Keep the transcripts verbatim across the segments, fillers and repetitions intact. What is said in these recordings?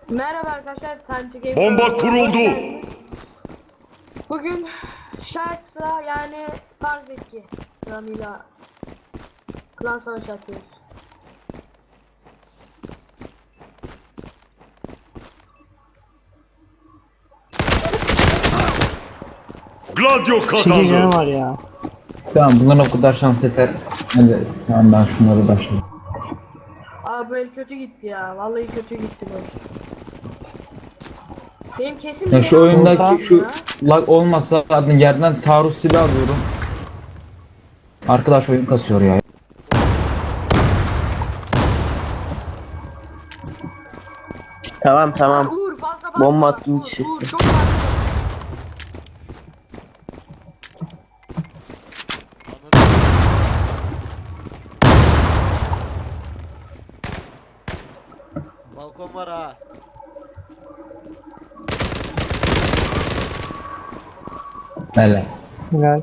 Merhaba arkadaşlar, Time to Game Bomba kuruldu. Bugün Sharks'la yani Farzeki klanıyla klan savaşı atıyoruz. Gladio Şimdi canı kazandı. var ya. Tamam bundan o kadar şans yeter. Hadi tamam ben şunları başlayayım. Abi böyle kötü gitti ya, vallahi kötü gitti böyle. Benim kesin Ya bir şu yerim oyundaki oldu şu ya. lag olmasa adını yerden taarruz silah alıyorum. Arkadaş oyun kasıyor ya. Tamam tamam. Uğur fazla bakma. Bomba attım Uğur, içi. Uğur çok fazla. Balkon var ha. Hele. Helal.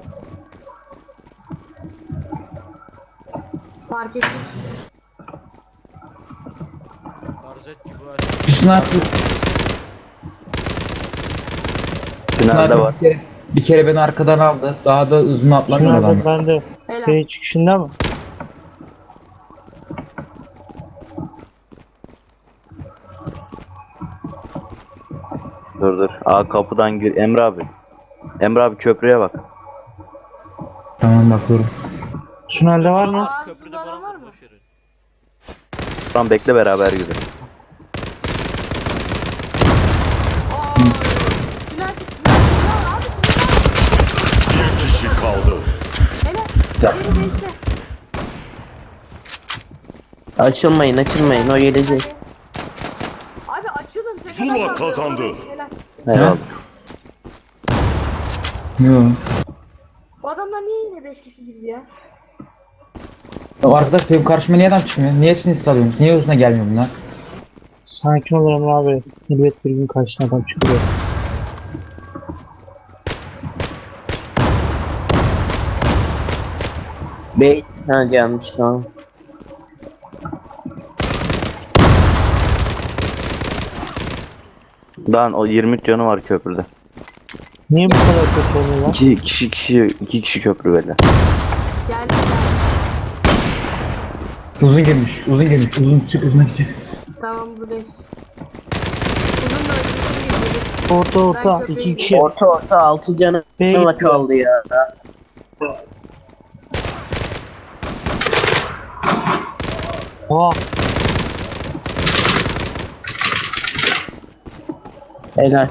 Fark ettim. Barzet gibi aç. Bir sniper, Tünelde var. bir kere, bir kere beni arkadan aldı. Daha da uzun atlamıyor adam. Şunlarda ben de Helal. şey çıkışında mı? Dur dur. Aa kapıdan gir. Emre abi. Emre abi köprüye bak. Tamam bakıyorum. Şunlarda var mı? Aa, Köprüde burada adam falan var var mı? boş verin. Tamam bekle beraber yürü. Aa, Silah çıktı, silah abi, silah. Bir kişi kaldı. Helal. Geri değişti. Açılmayın açılmayın o gelecek. Abi açılın. tepeden Zula saldırıyor. kazandı. Helal. Eyvallah. Yok. Bu adamlar niye yine beş kişi gibi ya? Ya arkadaş benim karşıma niye adam çıkmıyor? Niye hepsini siz alıyorsunuz? Niye uzuna gelmiyor bunlar? Sakin ol Emre abi. Elbet bir gün karşına adam çıkıyor. Bey ha gelmiş tamam. Lan o yirmi canı var köprüde. Niye bu kadar kötü oynuyorlar? İki kişi kişi iki kişi köprü böyle. Geldi. geldi. Uzun girmiş, uzun girmiş, uzun çık, uzun çık. Tamam buradayız. Uzun da uzun gidiyor. Orta orta. Ben iki kişi. Orta orta altı canı B'ye gitti. kaldı ya. Aa. Helal.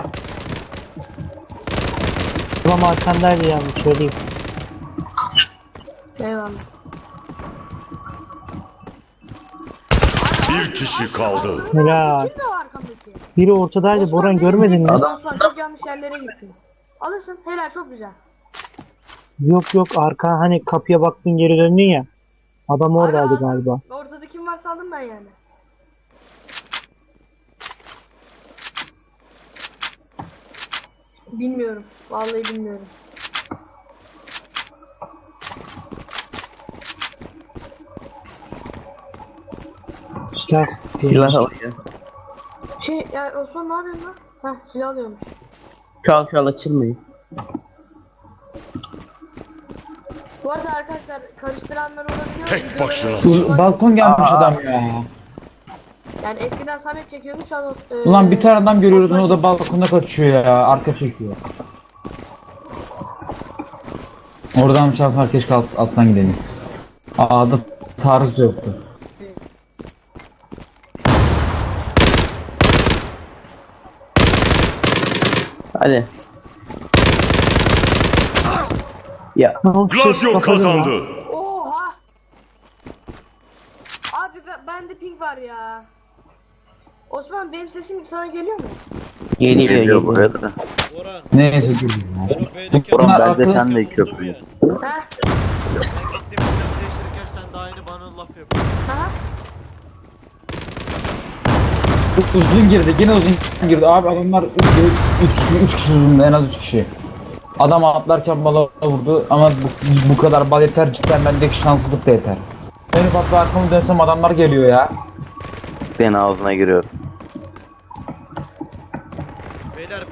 Ulan arkandaydı yani söyleyeyim. Eyvallah. Bir kişi kaldı. Helal. Kim de o arkamdaki? Biri ortadaydı. Boran görmedin mi? Osman çok yanlış yerlere gitti. Alırsın. Helal çok güzel. Yok yok arka hani kapıya baktın geri döndün ya. Adam oradaydı Abi, galiba. Ortada kim varsa aldım ben yani. Bilmiyorum. Vallahi bilmiyorum. Silah. Silah alıyor. Şey ya Osman ne yapıyorsun lan? Heh silah alıyormuş. Çal çal açılmayın. Bu arada arkadaşlar karıştıranlar olabiliyor. Tek Videoları- başınasın. Balkon gelmiş adam ya. Yani eskiden Samet çekiyordu şu an e, Ulan bir tane adam görüyoruz o da balkonda kaçıyor ya, arka çekiyor. Oradan şans var keşke alt, alttan gidelim. A'da taarruz yoktu. Hadi. Ya Tamam, ses Gladio kapadı kazandı. Oha! Abi ben, bende ping var ya. Osman benim sesim sana geliyor mu? geliyor geliyor buraya da. Boran. Neyse dur. Ben o B'deki Boran, adamı ben de vurdum sen de ya. köprüyü. Heh. Ben gittim silah değiştirirken sen de aynı bana laf yapıyorsun. Aha. Uzun girdi, yine uzun girdi. Abi adamlar üç kişi uzundu, en az üç kişi. Adam atlarken bala vurdu ama bu, bu kadar bal yeter, cidden bendeki şanssızlık da yeter. Benim patla arkamı dönsem adamlar geliyor ya. Ben ağzına giriyorum.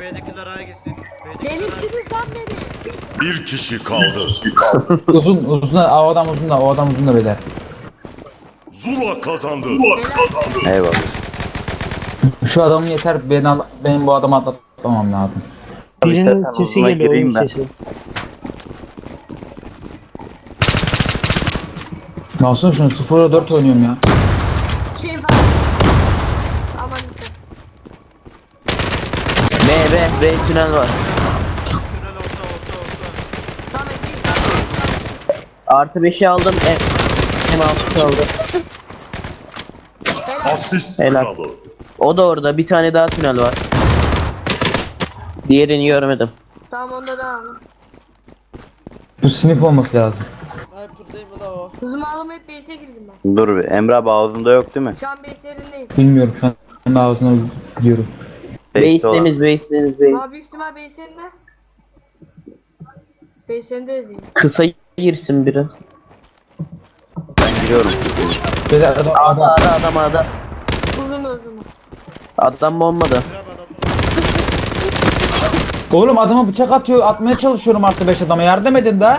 B'dekiler A'ya gitsin. B'dekiler A'ya gitsin. Benimsiniz lan beni. Bir kişi kaldı. Uzun uzun da o adam uzun da o adam uzun da beyler. Zula kazandı. Eyvallah. Şu adamın yeter beni al, benim bu adamı atlatmamam lazım. Birinin İstersen sesi uzuna geliyor, gireyim oyun ben. sesi. Nasıl şunu sıfıra dört oynuyorum ya. Şey var. Aman işte. B B B tünel var. Tünel orta orta orta. Tamam değil. Artı beşi aldım. M, M altı kaldı. Asist Helal. kralı. O da orada. Bir tane daha tünel var. Diğerini görmedim. Tamam onda da aldım. Bu sinif olması lazım. Sniper değil mi la o? Hızımı alamayıp base'e girdim ben. Dur bir. Emre abi ağzında yok değil mi? Şu an base yerindeyim. Bilmiyorum şu an ağzına gidiyorum. Base'te olan. Base'lemiz base'lemiz base. Ama büyük ihtimal base yerinde. Base yerinde değil. Kısa girsin biri. Ben giriyorum. Beyler adam, Ada adam. ada adam ada. Uzun uzun. Adam bombada. Grab adam. Oğlum adama bıçak atıyor atmaya çalışıyorum artı beş adama yardım edin de.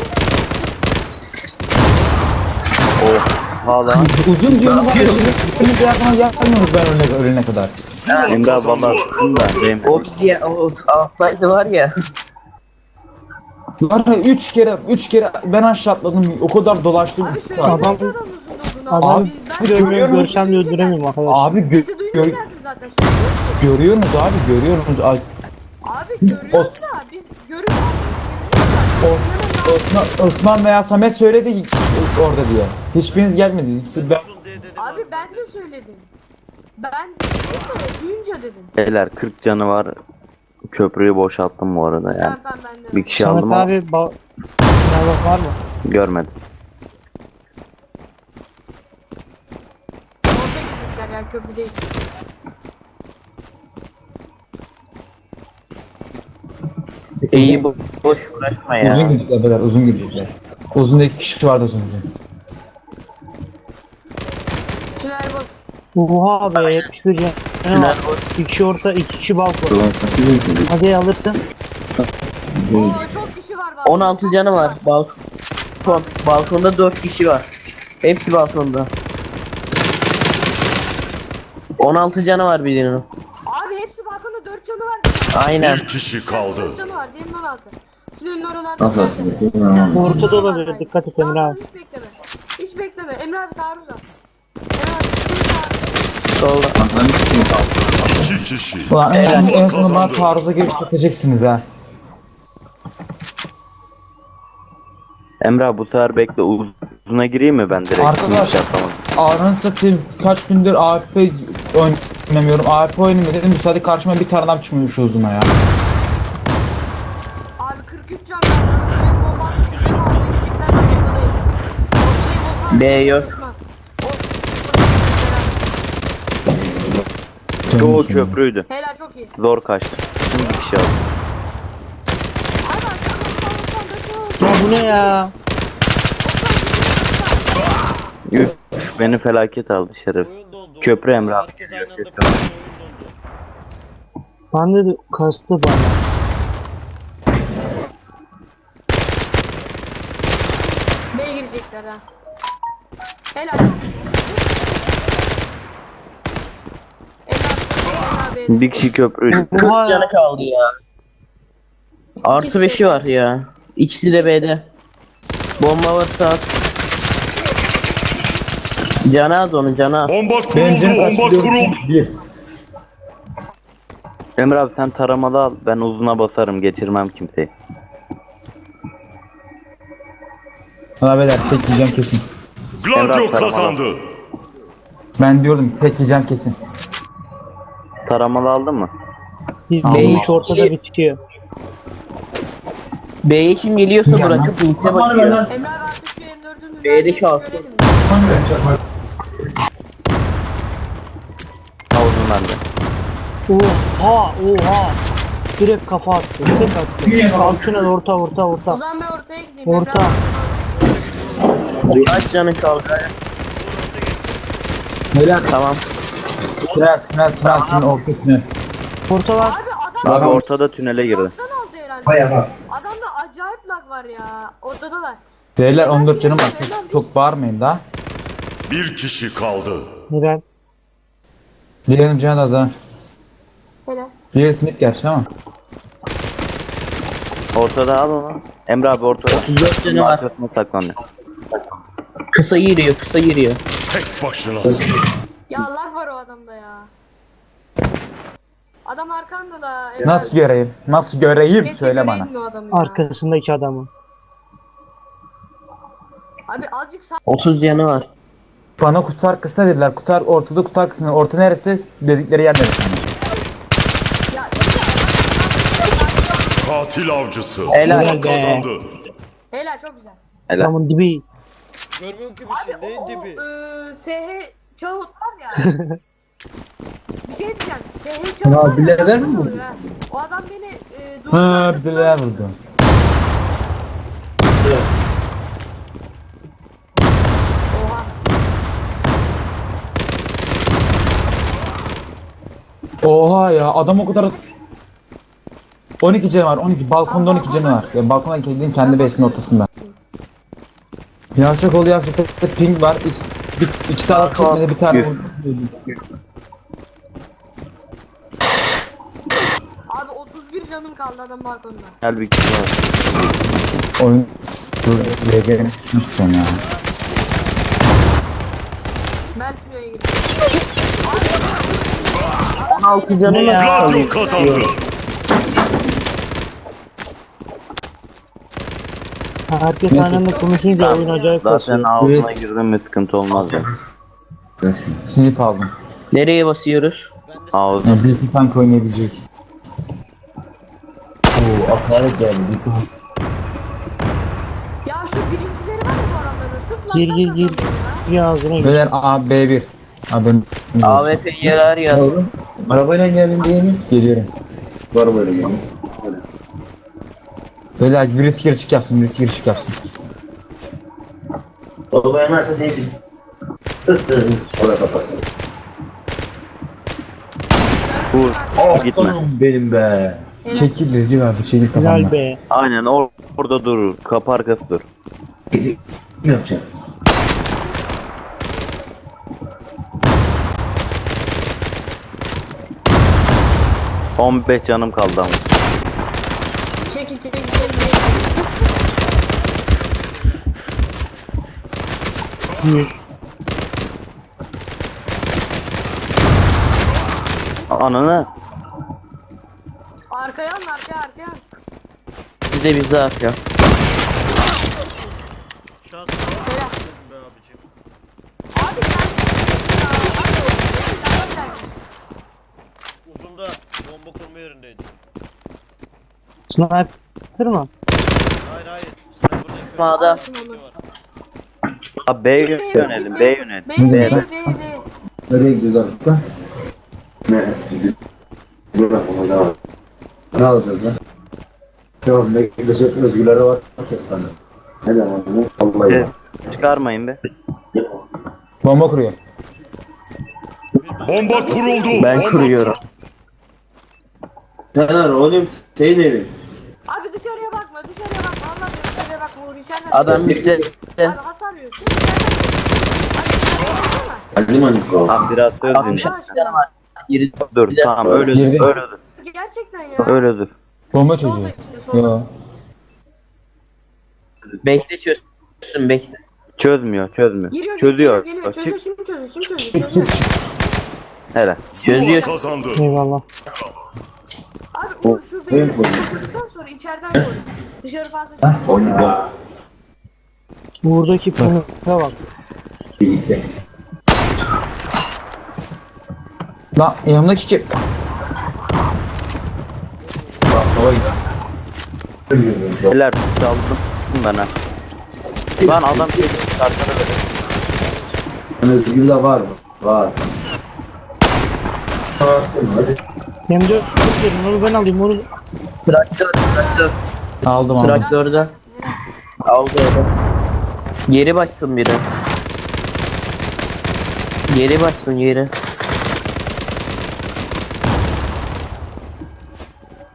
Hala. Uzun diyorum ben hiçbiriniz yardıma gelmiyoruz ben ölene, ölene kadar. Zula Emre abi valla kazandı. sıkın da. Benim. O bizi o alsaydı var ya. Var ya üç kere üç kere ben aşağı atladım o kadar dolaştım. Abi şöyle Adam- adam uzun uzun Adam abi. bir Ben- ömür görsem de öldüremiyorum arkadaşlar. Abi gö Sesi duyunca gör geldim zaten. Şimdi. görüyorsunuz abi görüyorsunuz. Ay, Abi görüyoruz da biz görüyoruz. O- Osman, Osman veya Samet söyledi orada diye. Hiçbiriniz gelmedi. Siz ben Uzun diye dedim. Abi ben de söyledim. Ben duyunca dedim. Beyler kırk canı var. Köprüyü boşalttım bu arada yani. Tamam tamam ben de. Bir kişi Samet aldım ama abi ba- Merhaba var mı? görmedim. Orada gitmişler yani köprü değil. İyi bu boş uğraşma ya. uzun gidecekler beyler uzun gidecekler. Uzun da iki kişi vardı az önce. Tünel boş. Oha be yetmiş bir canı Tünel var. boş. İki kişi orta, iki kişi balkon. Hadi alırsın. Oo çok kişi var bak. on altı canı var. Balkon. Balkonda dört kişi var. Hepsi balkonda. on altı canı var birinin. Abi hepsi balkonda dört canı var. Aynen. Bir kişi kaldı. dört canı var. Diğerinin on altı. Tünelin oralarda. Ortada olabilir, dikkat et Emre abi. Hiç bekleme. Hiç bekleme. Emre abi taarruz al. Emre abi taarruz. Solda. İki kişi. Ulan en, en, en Zula sonunda bana kazandı. taarruza giriştireceksiniz ha. Emre abi bu sefer bekle uzuna gireyim mi ben direkt? Arkadaşlar- Hiç yapamadım. Ağrını satayım kaç gündür A F P oynamıyorum. A F P oynayayım dedim. Müsaade karşıma bir tane adam çıkmıyor şu uzuna ya. Abi kırk üç can var. Bomba attı. Gittikten sonra yakadayım. Ortadayım, B yok. Çoğu köprüydü. Helal çok iyi. Zor kaçtı. Şimdi bir kişi aldı. Abi arkamda Ya bu ne ya? Üf, beni felaket aldı şeref. Oyun dondu. Köprü Emre abi. Herkes aynı anda koşuyor, oyun dondu. Bende de kastı bana. B'ye girecekler ha. Helal. Emre abi, Emre abi. Bir kişi köprüydü. kırk Oha ya. canı kaldı ya. Artı beşi var ya. İkisi de B'de. Bomba var saat. Canı az onun canı az. Bomba Bence kuruldu. Bomba kuruldu. Bir. Emre abi sen taramalı al. Ben uzuna basarım. Geçirmem kimseyi. Valla beyler tek yiyeceğim kesin. Gladio Emrah kazandı. Ben diyordum tek yiyeceğim kesin. Taramalı aldın mı? Bir Allah. üç ortada bitiyor. B'ye kim geliyorsa bırakıp ultiye bakıyor. Emre abi artık şu M dördün B'de kalsın. Havuzun bende. Oha oha. Direkt kafa attı. Tek attı. Altına orta orta O orta. zaman ben ortaya gideyim. Orta. Emre abi. Kaç canı kaldı? Beyler Tamam. tünel tünel tünel tünel orta tünel. Orta var. Abi adam Abi ortada tünele girdi. Lag'dan aldı herhalde. Adamda acayip lag var ya. Ortadalar. Beyler on dört canım var. Çok, çok bağırmayın da. Bir kişi kaldı. Helal. Diğerinin canı da az ha. Hele. Diğeri sinip gerçi ama. Ortada al onu. Emre abi ortada. dört canı var. Arkasına saklanıyor. Kısa giriyor, kısa giriyor. Tek başınasın. Ya lag var o adamda ya. Adam arkanda da. Nasıl göreyim? Nasıl göreyim? Keşke Söyle bana. göreyim mi o adamı ya? Arkasındaki adamı. Abi azıcık sağ. otuz canı var. Bana kutu kısa dediler. Kutu ortada, kutu kısmı. Orta neresi? Dedikleri yer neresi? Ya Katil avcısı. Helal Zula be. kazandı. helal çok güzel. Helal. Adamın dibi. Görmüyorum ki bir şey. Abi Neyin o, o dibi? e, S H Çağut var ya. Bir şey diyeceğim. S H Çağut Ya, var ya. bileler adam mi bu? vuruyor ha. O adam beni e, duvarın Ha bir arkasından- de neler vurdu. Oha. Oha ya adam o kadar on iki canı var. on iki balkonda on iki canı var. Ya balkona kendin kendi base'inin ortasında. Yavşak oldu yavşak. Ping var. İki, bir, iki saat çekmede bir tane Üf. vurdu. Abi otuz bir canım kaldı adam balkonda. Gel bir kişi var. Oyun dur R G'nin sen ya. Ben şuraya girdim. on altı canı Ne var. ya? Gladio kazandı. Herkes aynı anda konuşunca oyun acayip Zaten basıyor. ağzına girdin mi sıkıntı olmaz ya. Sinip aldım. Nereye basıyoruz? Ben de Ağzı. Ya birisi tank oynayabilecek. Oo akaret geldi. Ya şu birincileri var ya bu adamların. Sırf Gir lag'dan gir gir. kazanıyor ya. Bir ağzına gir. Beyler A B bir. Adam. A W P yarar ya. Arabayla geldin diye mi? Geliyorum. Var böyle yani. Beyler birisi gir çık yapsın, birisi gir çık yapsın. Vur. Gitme. Benim be. Çekil Recep abi, çekil Helal kafamdan. be. Aynen or orada durur. Kapı arkası dur. Ne yapacağım? on beş canım kaldı ama. Çekil çekil çekil. Yüz. Ananı. Arkaya alın arkaya arkaya. Bize bize atıyor. şansına bak be abicim. Abi sen ya. Abi abi. Uzunda bomba kurma yerindeydi. Sniper mı? Hayır hayır. Sniper'da yapıyor. Sağda. Alsın onu. Abi B yönelim. B yönelim. B B. B B B. Nereye gidiyoruz artık lan? Ne? Bırak onu devam. Ne alacağız lan? Yok ne gidecek özgürlere var. Kestane. Ne demek bu? Vallahi Evet. ya. Çıkarmayın be. Bomba kuruyor. Bomba kuruldu. Ben Bomba kuruyorum. Caner oğlum şey değil. Abi dışarıya bakma dışarıya bakma. Allah dışarıya bakma. Uğur içeriden. Adam bize Abi hasar yiyor. Sen içeriden. Abi Hadi maniko. Abi biraz söz altmış dinle. altı canı var. Yeri Dur tamam öyle Girdi. dur. Öyle dur. gerçekten ya. Öyle dur. Bomba Solda çocuğu. işte solda. Yo. bekle çözsün bekle. Çözmüyor çözmüyor. Giriyor Çözüyor. geliyor geliyor. Çık. Çözüyor şimdi çözüyor şimdi çözüyor. çözüyor. Hele. Zula Çözüyor. kazandı. Eyvallah. Abi Uğur şu beni vurduktan sonra içeriden koy. Dışarı fazla çıkma. Oyna. Buradaki punk'a bak. Birlikte. Lan yanımdaki kim? Bak hava gidiyor. Beyler çaldım ben ha. Lan adam şey arkana böyle. Özgür de var mı? Var. Hadi. Hem de verin onu ben alayım onu. Traktör traktör. Aldım aldım. Traktörde. Aldı öyle. Geri başsın biri. Geri başsın geri.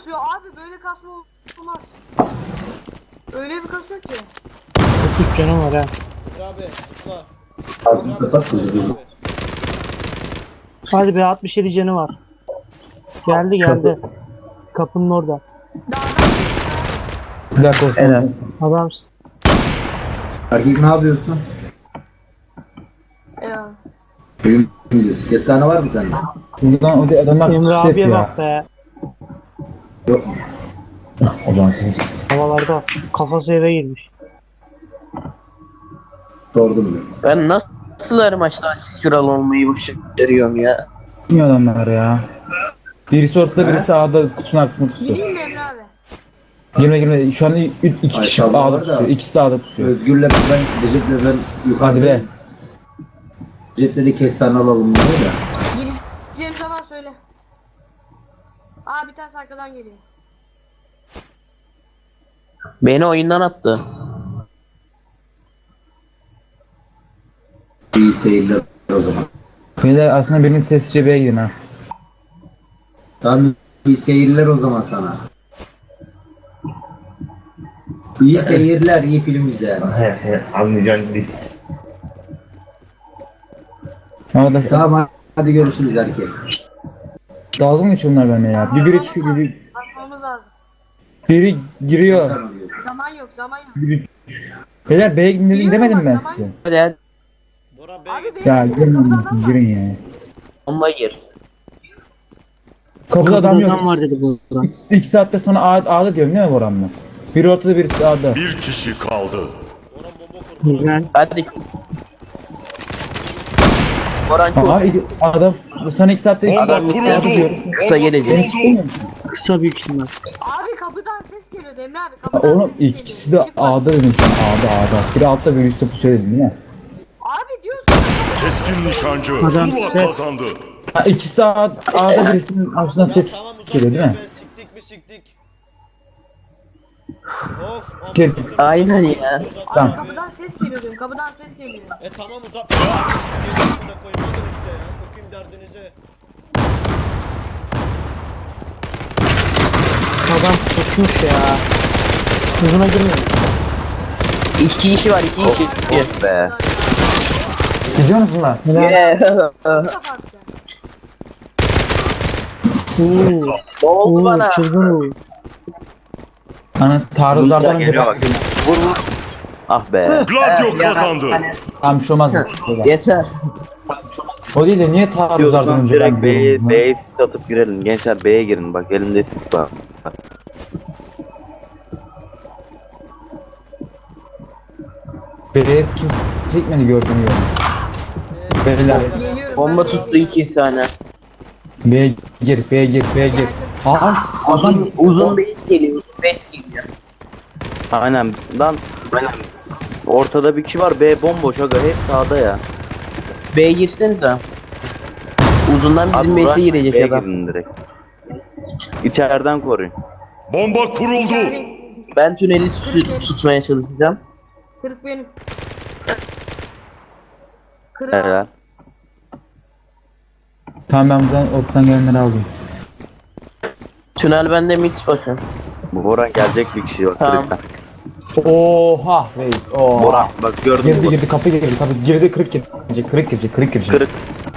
kasıyor abi, böyle kasma olmaz. Öyle bir kasıyor ki. kırk üç canım var ha. Emre abi zıpla. Ağzını kapat kızı. Hadi be, altmış yedi canı var. Geldi geldi. Kapının orada. Bir dakika olsun. Helal. Adamsın. Erkek ne yapıyorsun? Ya. Bugün gidiyorsun. Kestane var mı sende? Buradan o adamlar Emre pusu abiye yapıyor. bak be. Yok mu? O zaman siz. Havalarda kafası eve girmiş. Sordum ben. Ben nasıl her maçta asist kralı olmayı başarıyorum ya. Niye adamlar ya? Birisi ortada birisi A'da kutunun arkasında tutuyor. Gireyim mi Emre abi? Girme girme. Şu an ü- iki Ay, kişi tamam A'da var da. tutuyor. İkisi de A'da tutuyor. Özgür'le ben, Recep'le ben yukarıda. Hadi be. Recep dedi kestane alalım diyor da. Gireceğim zaman söyle. Aa, bir tanesi arkadan geliyor. Beni oyundan attı. İyi seyirler o zaman. Beyler aslında birinin sessizce B'ye gidin ha. Tamam, iyi seyirler o zaman sana. İyi seyirler, iyi film izle. Arkadaş Tamam hadi görüşürüz erkek. dalga mı geçiyor bunlar benimle ya? Bir biri çıkıyor, biri, Basmamız lazım. biri giriyor. Zaman yok, zaman yok. Biri Beyler B'ye gidin dedim, demedim ben size. Hadi hadi. Bora Bey Abi git. benim Ya için girin kapıda adam lan, var. girin ya. Bomba gir. Kapıda adam Kapıda yok. adam var dedi bu arada. İki, iki saatte sana A, A'da diyorum değil mi Boran'la? Biri ortada birisi A'da. Bir kişi kaldı. Boran bomba kur. Güzel. Hadi. Boran Aa, çok iki- adam sana iki saatte Bomba Adam kuruldu. kısa Bomba gelecek. kuruldu. Kısa büyük ihtimal. Abi kapıdan ses geliyordu Emre abi. Ha, Kapıdan Oğlum ses ikisi geliyor. de Çıkma. A'da dedim sana, A'da A'da. Biri altta biri üstte pusuyor dedim değil mi? Abi diyorsun. Keskin nişancı. Adam Zula set. kazandı. Ha, ikisi de A- A'da birisinin ağzından Ya ses tamam uzak geliyor değil mi? be, siktik mi siktik. Of. Gel. amına koydum. Aynen ya. Tamam. Abi kapıdan ses geliyor diyorum. Kapıdan ses geliyor. E tamam uzak. Amına koyayım alın işte ya. Sokayım derdinize. Adam tutmuş ya. Uzuna girmiyor. İki kişi var, iki kişi. Of be. Gidiyor musun lan? Yeah. Kapattı. Uuu. Ne oldu Uuu bana? çılgın uuu. Ana taarruzlardan önce Geliyor bak. bak. Vur vur. Ah be. Gladio kazandı. Tamam bir şey olmaz. Yeter. O değil de niye taarruzlardan Diyorsan önce direkt ben B'ye gidiyorum? B'ye sis atıp girelim. Gençler B'ye girin bak elimde sis var. B'ye kim çekmedi gördüğünü gördüm. Beyler Geliyorum. Bomba ben tuttu iki tane. B'ye gir, B'ye gir, B'ye gir. Aa, adam Uzun, uzun değil geliyor. Beş geliyor. Aynen lan. Aynen. Ortada bir kişi var. B bomboş aga. Hep sağda ya. B'ye girsin de. Uzundan bizim Abi, base'e girecek B'ye adam. girin direkt. İçeriden koruyun. Bomba kuruldu. Ben tüneli tut- tutmaya çalışacağım. Kırık benim. Kırık. Evet. tamam ben buradan ortadan gelenleri aldım. Tünel bende mid bakın. Bu Boran gelecek bir kişi var. Tamam. Kırıktan. Oha reis, oha. Boran bak gördün mü? Girdi girdi kapı girdi kapı girdi kırık girecek kırık girecek kırık girecek. Kırık.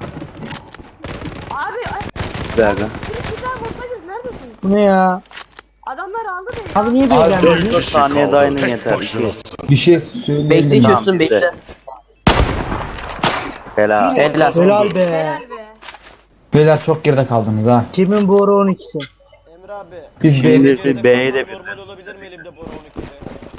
Abi ay, Bir dakika. kırık güzel bulsaydınız neredesiniz? Bu ne ya? Adamlar aldı beni. Abi niye Abi, böyle Bir gelmiyor? dört kişi saniye daha kaldı. inin Tek yeter. başınasın. Bir şey söyleyelim. Bekle mi? çözsün bitti. bekle. Helal. Zula Helal. kazandı. Helal be. Helal be. Beyler çok geride kaldınız ha. Kimin bu ara on ikisi? Emre abi. Biz Şimdi- B'ye Geride B'ye de kalmam normal olabilir mi elimde Bora on ikide?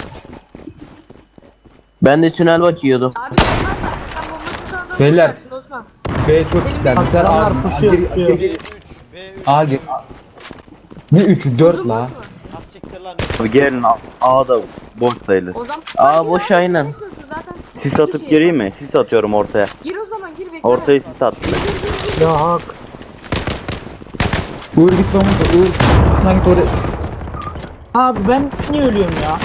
Ben de tünel bakıyordum. Abi sen sen bombası sağdan Beyler. tutacaksın Osman. B'ye çok kitler. Sen Adamlar A pusuyor, gir pusuyor. gir B gir. üç. B üç. A gir. Ne üçü dört la. Ah siktir lan. Abi gelin A- A'da boş sayılır. O zaman Aa, boş Abi, aynen. istiyorsun zaten. Sis Bir atıp şey. gireyim mi? Sis atıyorum ortaya. Gir o zaman gir bekle. Ortaya sis attım. Gir, gir, gir. Ya hak. Uğur git lan burada. Uğur. Sen git oraya. Abi ben niye ölüyorum ya?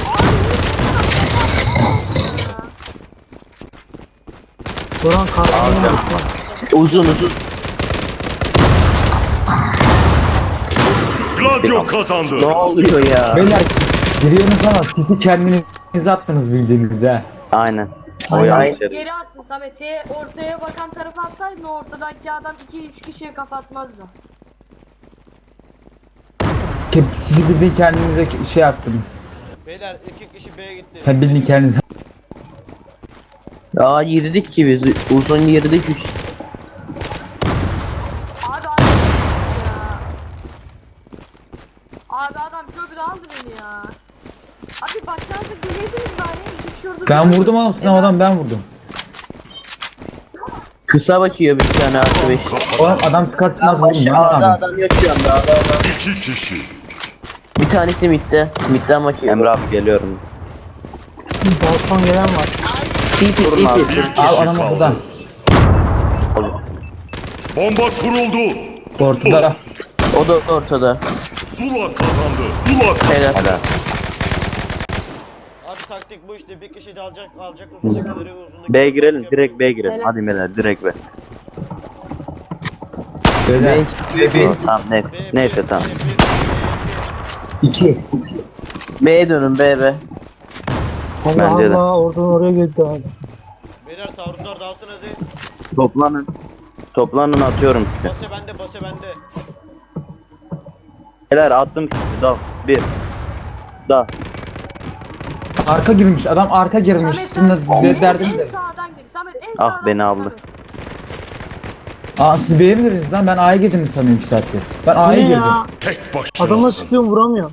Buran karşımda mı? Uzun uzun. Gladio kazandı. Ne oluyor ya? Beyler giriyorsunuz ama sizi kendiniz attınız bildiğiniz ha. Aynen. O Aynen. yanlış yere. Geri attın Samet. Şeye, ortaya bakan tarafa atsaydın ortadaki adam iki üç kişiye kafa atmazdı. Ke- Sizi bildiğin kendinize şey attınız. Beyler iki kişi B'ye gitti. Sen bildiğin kendinize. Aa girdik ki biz. Uzun girdik üç. Abi adam ya. Abi adam köprüde aldı beni ya. Abi başlarda geleydiniz bari. İki kişi orada Ben duruyordu. vurdum oğlum, sınav adam ben vurdum. Kısa bakıyor bir tane artı beş. Oğlum adam çıkartmaz vurdum ben Aşağıda abi. adam yok şu anda. Ada adam. İki kişi. Bir tanesi midde. Midden bakıyor. Emre abi geliyorum. Balkon gelen var. C P Durun abi. C P. Bir kişi Abi adam kaldı. ortada. Bomba kuruldu. Ortada. O da ortada. Zula kazandı. Zula Helal. Helal. Abi taktik bu işte. Bir kişi de alacak alacak uzundakileri uzundaki. B'ye girelim. Direkt B'ye girelim. Helal. Hadi beyler direkt B. Beyler. Tamam, tamam neyse. B, B, Neyse B, tamam. B, B, B. İki. B'ye dönün B B. Allah Bence de. Allah oradan oraya gitti abi. Beyler taarruzlar dağılsın hadi. Toplanın. Toplanın atıyorum size. Base bende base bende. Beyler attım sizi. Dal. Bir. Dal. Arka girmiş adam arka girmiş. Samet Sizin de sen de derdim en de. sağdan gir. Samet en Ah, sağdan beni gir, aldı. Samet. Aa siz B'ye mi girdiniz lan? Ben A'ya girdim sanıyorum iki saattir. Ben A'ya Ne girdim. ya? tek Adama başınasın. sıkıyorum vuramıyor.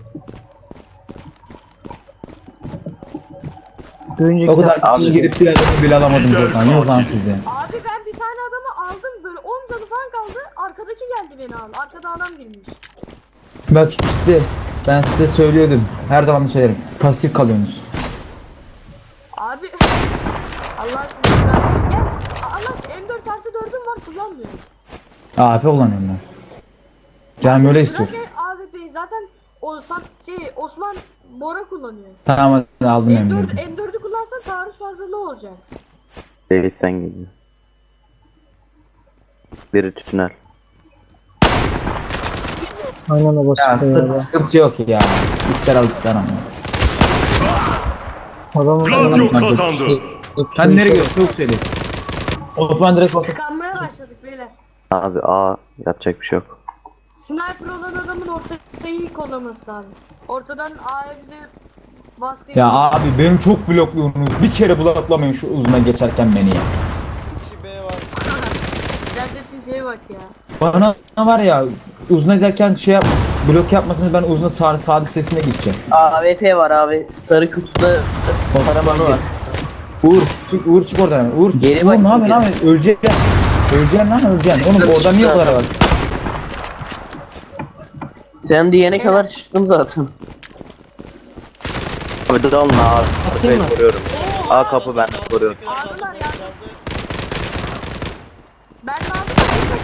Bir önceki O kadar dakika- kişi girip bir adamı bile alamadım Lider buradan. Yok lan katil. size. Abi ben bir tane adamı aldım böyle on canı falan kaldı. Arkadaki geldi beni aldı. Arkada adam girmiş. Bak işte ben size söylüyordum. Her zaman da söylerim. Pasif kalıyorsunuz. Abi Allah aşkına ben- gel. Allah M dört artı dördüm var kullanmıyorum. A P kullanıyorum ben. Canım öyle istiyor. Bırak ya A W P'yi zaten o Sam- şey Osman Bora kullanıyor. Tamam hadi aldım M dört, emniyeti. M dördü kullansan taarruz fazlalığı olacak. David sen geliyor. Biri tünel. Aynen o Ya basit ya. sı- sıkıntı yok ya. İster al ister ama. Adamın Gladio kazandı. Sen nereye gidiyorsun? Çok söyle. Osman direkt olsun. Tıkanmaya başladık beyler. Abi A yapacak bir şey yok. Sniper olan adamın ortayı iyi kollaması lazım. Ortadan A'ya bize baskı Ya abi benim çok blokluyorsunuz. Bir kere bloklamayın şu uzuna geçerken beni ya. İki kişi B var. Gerçekten şeye bak ya. Bana var ya uzuna giderken şey yap, blok yapmasını ben uzuna sağ sadık sesine gideceğim. A W P var abi. Sarı kutuda karabanı var. Uğur çık Uğur çık oradan. hemen. Uğur Geri Uğur bak ne yapıyorsun şimdi. abi? Öleceksin. Öleceksin lan öleceksin. Oğlum oradan niye o kadar var? Sen diyene kadar çıktım zaten. Abi dalın A. Kapıyı mı? koruyorum. A kapı ben koruyorum. Aldılar ya. Ben lazım da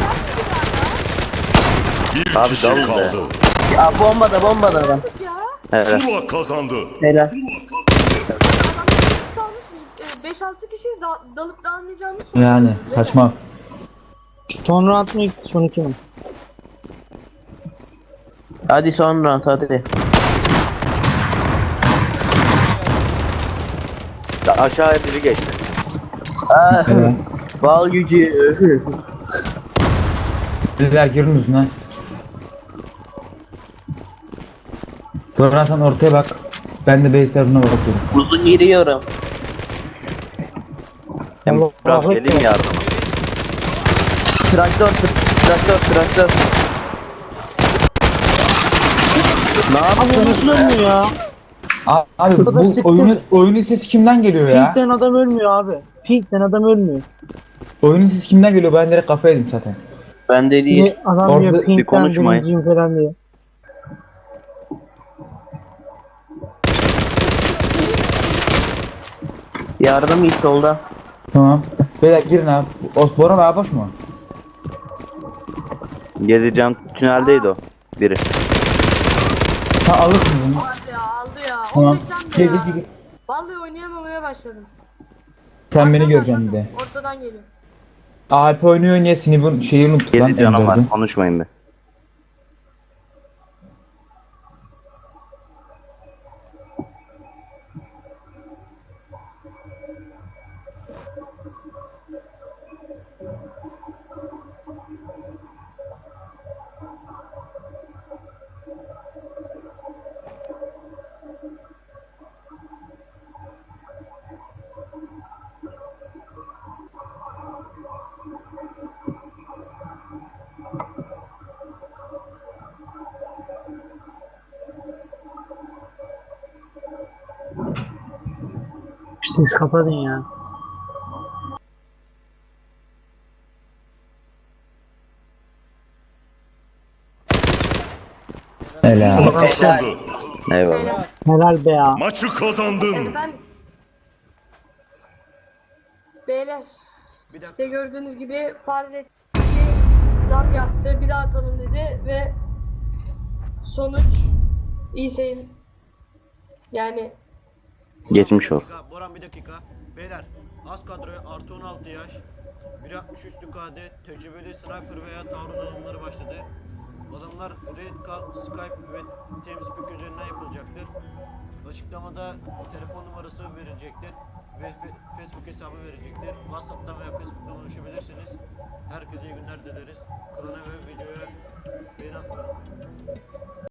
Bir Abi kişi dalın be. kaldı. Ya bomba da bomba da adam. ya. Evet. Zula kazandı. Helal. Adamlar beş altı kişi da, dalıp dağılmayacağımız Yani saçma. son round mı ilk son iki mi? Hadi son round hadi. Aşağıya biri geçti. Aa, Evet. bal gücü. Biriler girin uzuna. Sonra sen ortaya bak. Ben de base tarafına bakıyorum. Uzun giriyorum. Hem Allah biraz Allah. geleyim yardıma. Traktör, tr- traktör, traktör. Ne Abi yaptın? nasıl ölmüyor ya? Abi, abi kadar bu sıktım. oyunun oyunun sesi kimden geliyor ya? Pink'ten adam ölmüyor abi. Pink'ten adam ölmüyor. Oyunun sesi kimden geliyor? Ben direkt kafa yedim zaten. Ben de değil. Ne, adam Orada diyor bir Pink'ten konuşmayın. birinciyim falan diyor. Yardım iyi solda. Tamam. Beyler girin abi. O Bora abi boş mu? Gezeceğim tüneldeydi o. Biri. Ha alırsın bunu. Abi ya aldı ya. Tamam. on beş can Gel da gel ya. gel. Vallahi oynayamamaya başladım. Sen beni Arkadan, göreceksin bir de. Ortadan geliyor. Alp oynuyor niye Sinib'in şeyi unuttuk lan. Gezi canım M var. dördü. Konuşmayın be. Siz kapatın ya. Helal. Zula kazandı. Eyvallah. Helal be ya. Maçı kazandın. Efendim. Beyler. Bir dakika. İşte gördüğünüz gibi farz etti. Zam yaptı. Bir daha atalım dedi ve sonuç iyi seyir. Yani Geçmiş Bir ol. dakika, Boran bir dakika. Beyler az kadroya artı on altı yaş, bir altmış üstü K D, tecrübeli sniper veya taarruz alımları başladı. Adamlar Red Call, Skype ve TeamSpeak üzerinden yapılacaktır. Açıklamada telefon numarası verilecektir ve fe- Facebook hesabı verecektir. WhatsApp'tan veya Facebook'tan ulaşabilirsiniz. Herkese iyi günler dileriz. Kanala ve videoya beğeni atmayı unutmayın.